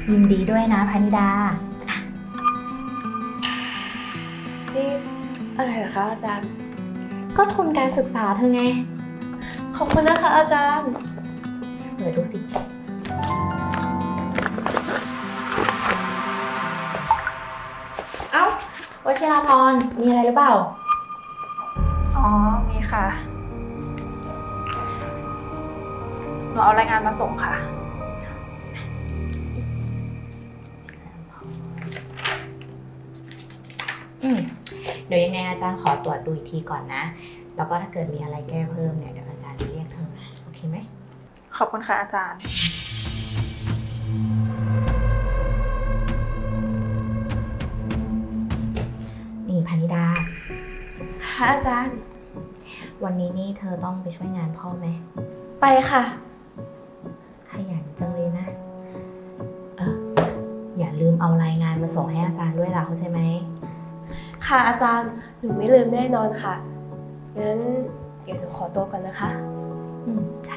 ยินดีด้วยนะพนิดานี่อะไรเหรอคะอาจารย์ก็ทุนการศึกษาเธอไงขอบคุณนะคะอาจารย์เปิดดูสิเอ้าวชิราพรมีอะไรหรือเปล่าอ๋อมีค่ะหนูเอารายงานมาส่งค่ะเดี๋ยวยังไงอาจารย์ขอตรวจดูอีกทีก่อนนะแล้วก็ถ้าเกิดมีอะไรแก้เพิ่มเนี่ยเดี๋ยวอาจารย์จะเรียกเธอมาโอเคไหมขอบคุณค่ะอาจารย์นี่พนิดาค่ะอาจารย์วันนี้นี่เธอต้องไปช่วยงานพ่อไหมไปค่ะขยันจังเลยนะอย่าลืมเอารายงานมาส่งให้อาจารย์ด้วยล่ะเข้าใจไหมค่ะอาจารย์หนูไม่ลืมแน่นอนค่ะงั้นเดี๋ยวหนูขอตัวก่อนนะคะจ้ะ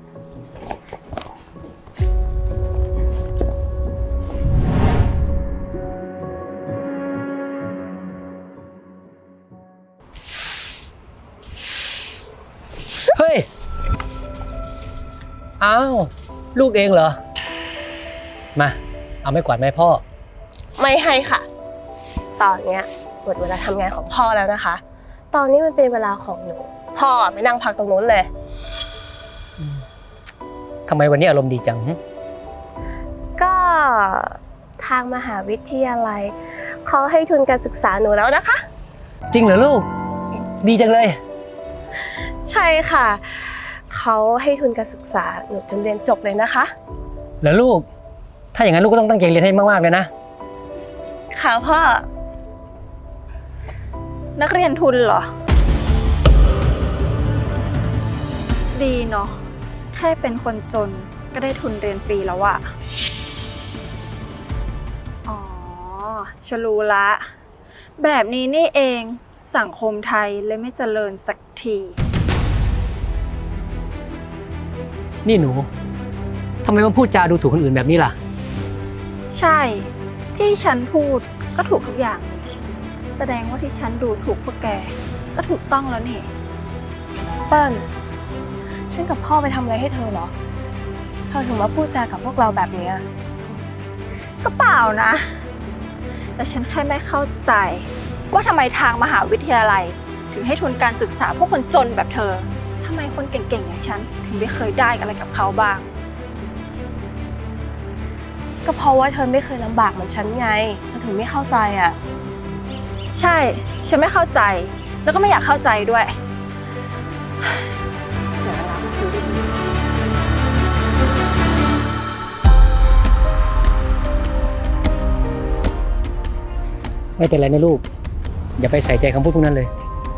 เฮ้ย อ้าว ลูกเองเหรอ มา เอาไม้กวาดไหมพ่อไม่ให้ค่ะตอนเนี้ยหมดเวลาทำงานของพ่อแล้วนะคะ ตอนนี้มันเป็นเวลาของหนูพ่อไม่นั่งพักตรงนู้นเลยทำไมวันนี้อารมณ์ดีจังก็ทางมหาวิทยาลัยเขาให้ทุนการศึกษาหนูแล้วนะคะจริงเหรอลูก ดีจังเลยใช่ค่ะเขาให้ทุนการศึกษาหนูจนเรียนจบเลยนะคะเหรอลูก ถ้าอย่างนั้นลูกก็ต้องตั้งใจเรียนให้มากๆเลยนะค่ะพ่อนักเรียนทุนเหรอดีเนาะแค่เป็นคนจนก็ได้ทุนเรียนฟรีแล้วอะอ๋อฉันรู้ละแบบนี้นี่เองสังคมไทยเลยไม่เจริญสักทีนี่หนูทำไมมาพูดจาดูถูกคนอื่นแบบนี้ล่ะใช่ที่ฉันพูดก็ถูกทุกอย่างแสดงว่าที่ฉันดูถูกพวกแกก็ถูกต้องแล้วนี่เปิ้ลฉันกับพ่อไปทำอะไรให้เธอเหรอเธอถึงมาพูดจากับพวกเราแบบนี้ก็เปล่านะแต่ฉันแค่ไม่เข้าใจว่าทำไมทางมหาวิทยาลัยถึงให้ทุนการศึกษาพวกคนจนแบบเธอทำไมคนเก่งๆอย่างฉันถึงไม่เคยได้อะไรกับเขาบ้างก็เพราะว่าเธอไม่เคยลำบากเหมือนฉันไงเธอถึงไม่เข้าใจอ่ะใช่ฉันไม่เข้าใจแล้วก็ไม่อยากเข้าใจด้วยเสียเวลาคุยด้วยจริงๆไม่เป็นไรนะลูก อย่าไปใส่ใจคำพูดพวกนั้นเลย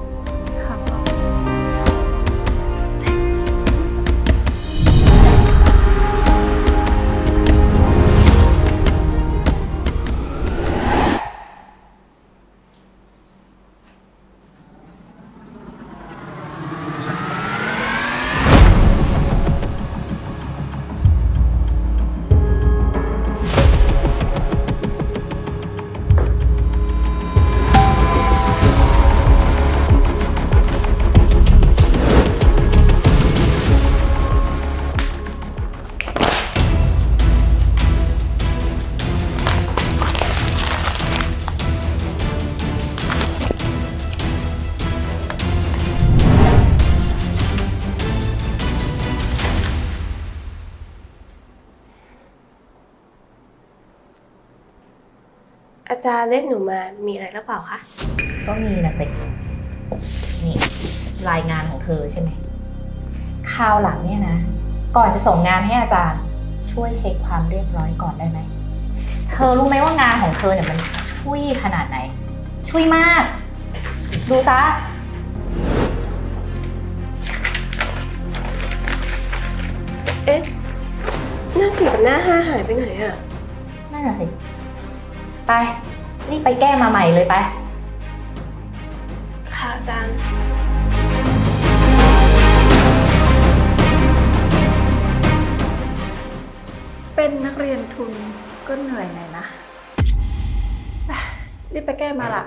อาจารย์เรียกหนูมามีอะไรหรือเปล่าคะก็มีนะสินี่รายงานของเธอใช่ไหมคราวหลังเนี่ยนะก่อนจะส่งงานให้อาจารย์ช่วยเช็คความเรียบร้อยก่อนได้ไหมเธอรู้ไหมว่างานของเธอเนี่ยมันช่วยขนาดไหนช่วยมากดูซะเอ๊ะหน้า4กับหน้า5หายไปไหนอ่ะนั่นน่ะสิไปรีบไปแก้มาใหม่เลยไปค่ะอาจารย์เป็นนักเรียนทุนก็เหนื่อยหน่อยนะไปรีบไปแก้มาล่ะ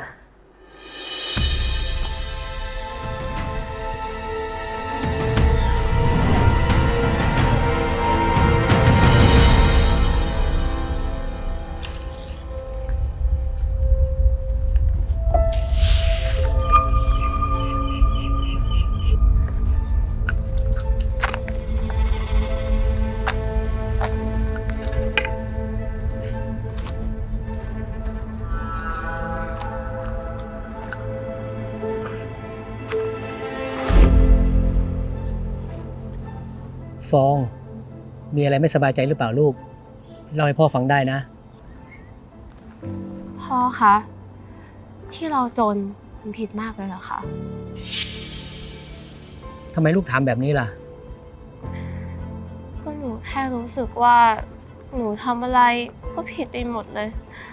ฟอง มีอะไรไม่สบายใจหรือเปล่าลูกเล่าให้พ่อฟังได้นะพ่อคะที่เราจนมันผิดมากเลยเหรอคะทำไมลูกถามแบบนี้ล่ะก็หนูแค่รู้สึกว่าหนูทำอะไรก็ผิดไปหมดเลย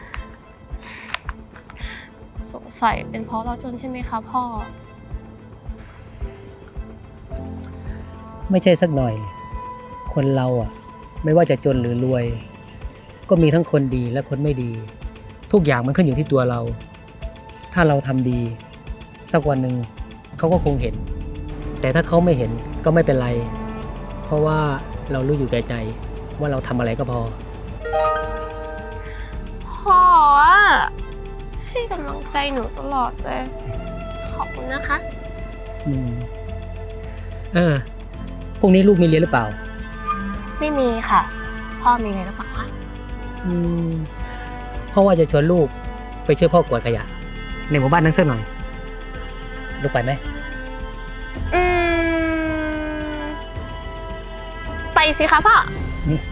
สงสัยเป็นเพราะเราจนใช่ไหมคะพ่อไม่ใช่สักหน่อย คนเราอ่ะ ไม่ว่าจะจนหรือรวย ก็มีทั้งคนดีและคนไม่ดี ทุกอย่างมันขึ้นอยู่ที่ตัวเรา ถ้าเราทำดี สักวันหนึ่งเขาก็คงเห็น แต่ถ้าเขาไม่เห็นก็ไม่เป็นไร เพราะว่าเรารู้อยู่แก่ใจว่าเราทำอะไรก็พอพ่ออะให้กำลังใจหนูตลอดเลย ขอบคุณนะคะอืมพรุ่งนี้ลูกมีเรียนหรือเปล่าไม่มีค่ะ พ่อมีอะไรหรือเปล่าคะเพราะว่าจะชวนลูกไปช่วยพ่อกวาดขยะ ในหมู่บ้านนั้นสักหน่อย ลูกไปไหมอืมไปสิคะพ่ออืม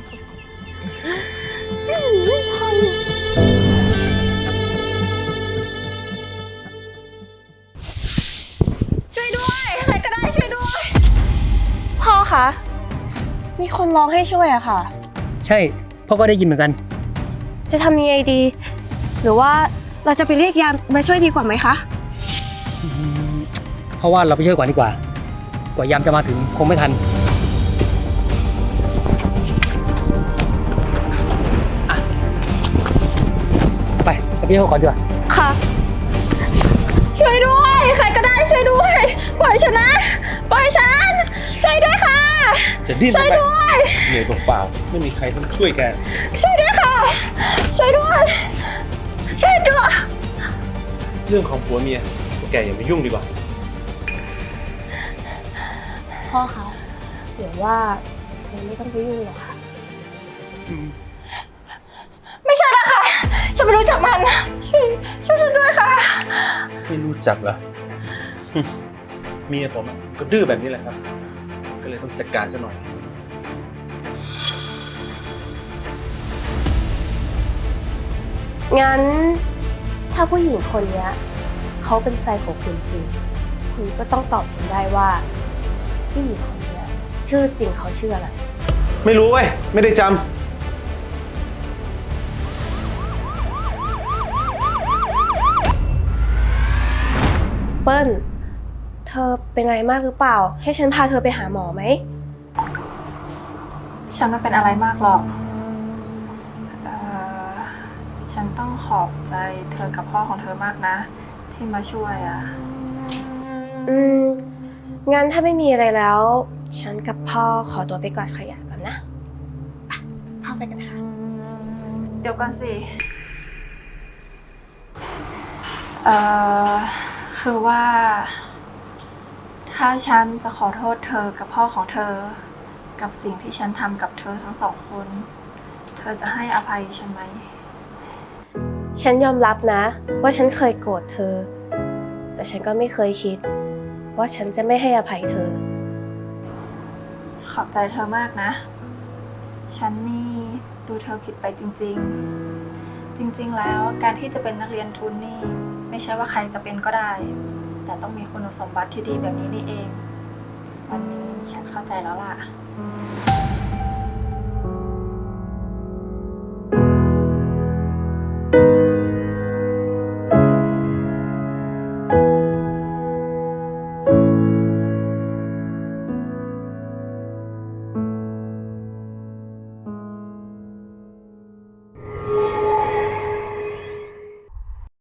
ช่วยด้วย ใครก็ได้ช่วยด้วยพ่อคะมีคนร้องให้ช่วยอะค่ะใช่ พ่อก็ได้ยินเหมือนกันจะทำยังไงดี หรือว่าเราจะไปเรียกยามมาช่วยดีกว่าไหมคะเพราะว่าเราไปช่วยก่อนดีกว่า กว่ายามจะมาถึงคงไม่ทันอ่ะไปไปช่วยเขาก่อนดีกว่าค่ะช่วยด้วย ใครก็ได้ช่วยด้วย ปล่อยฉันนะ ปล่อยฉัน ช่วยด้วยค่ะจะดิ้นช่วยทำไมด้วยเหนื่อยเปล่าๆไม่มีใครต้องช่วยแกช่วยด้วยค่ะ ช่วยด้วย ช่วยด้วยเรื่องของผัวเมียพวกแกอย่าไปยุ่งดีกว่าพ่อคะหรือว่าเราไม่ต้องไปยุ่งหรอกค่ะไม่ใช่ละค่ะ ฉันไม่รู้จักมัน ช่วยฉันด้วยค่ะไม่รู้จักเหรอ เมียผมก็ดื้อแบบนี้แหละครับ ก็เลยต้องจัดการซะหน่อยงั้นถ้าผู้หญิงคนเนี้ยเขาเป็นแฟนของคุณจริง คุณก็ต้องตอบฉันได้ว่าผู้หญิงคนเนี้ยชื่อจริงเขาชื่ออะไรไม่รู้เว้ย ไม่ได้จำเปิ้ล เธอเป็นอะไรมากหรือเปล่า ให้ฉันพาเธอไปหาหมอไหมฉันไม่เป็นอะไรมากหรอกฉันต้องขอบใจเธอกับพ่อของเธอมากนะ ที่มาช่วยอ่ะงั้นถ้าไม่มีอะไรแล้ว ฉันกับพ่อขอตัวไปกวาดขยะก่อนนะไปพ่อไปกันนะคะเดี๋ยวก่อนสิ คือว่า ถ้าฉันจะขอโทษเธอกับพ่อของเธอ กับสิ่งที่ฉันทำกับเธอทั้งสองคน เธอจะให้อภัยฉันไหมฉันยอมรับนะว่าฉันเคยโกรธเธอ แต่ฉันก็ไม่เคยคิด ว่าฉันจะไม่ให้อภัยเธอขอบใจเธอมากนะ ฉันนี่ดูเธอผิดไปจริงๆ จริงๆ แล้วการที่จะเป็นนักเรียนทุนนี่ไม่ใช่ว่าใครจะเป็นก็ได้ แต่ต้องมีคุณสมบัติที่ดีแบบนี้นี่เอง วันนี้ฉันเข้าใจแล้วล่ะ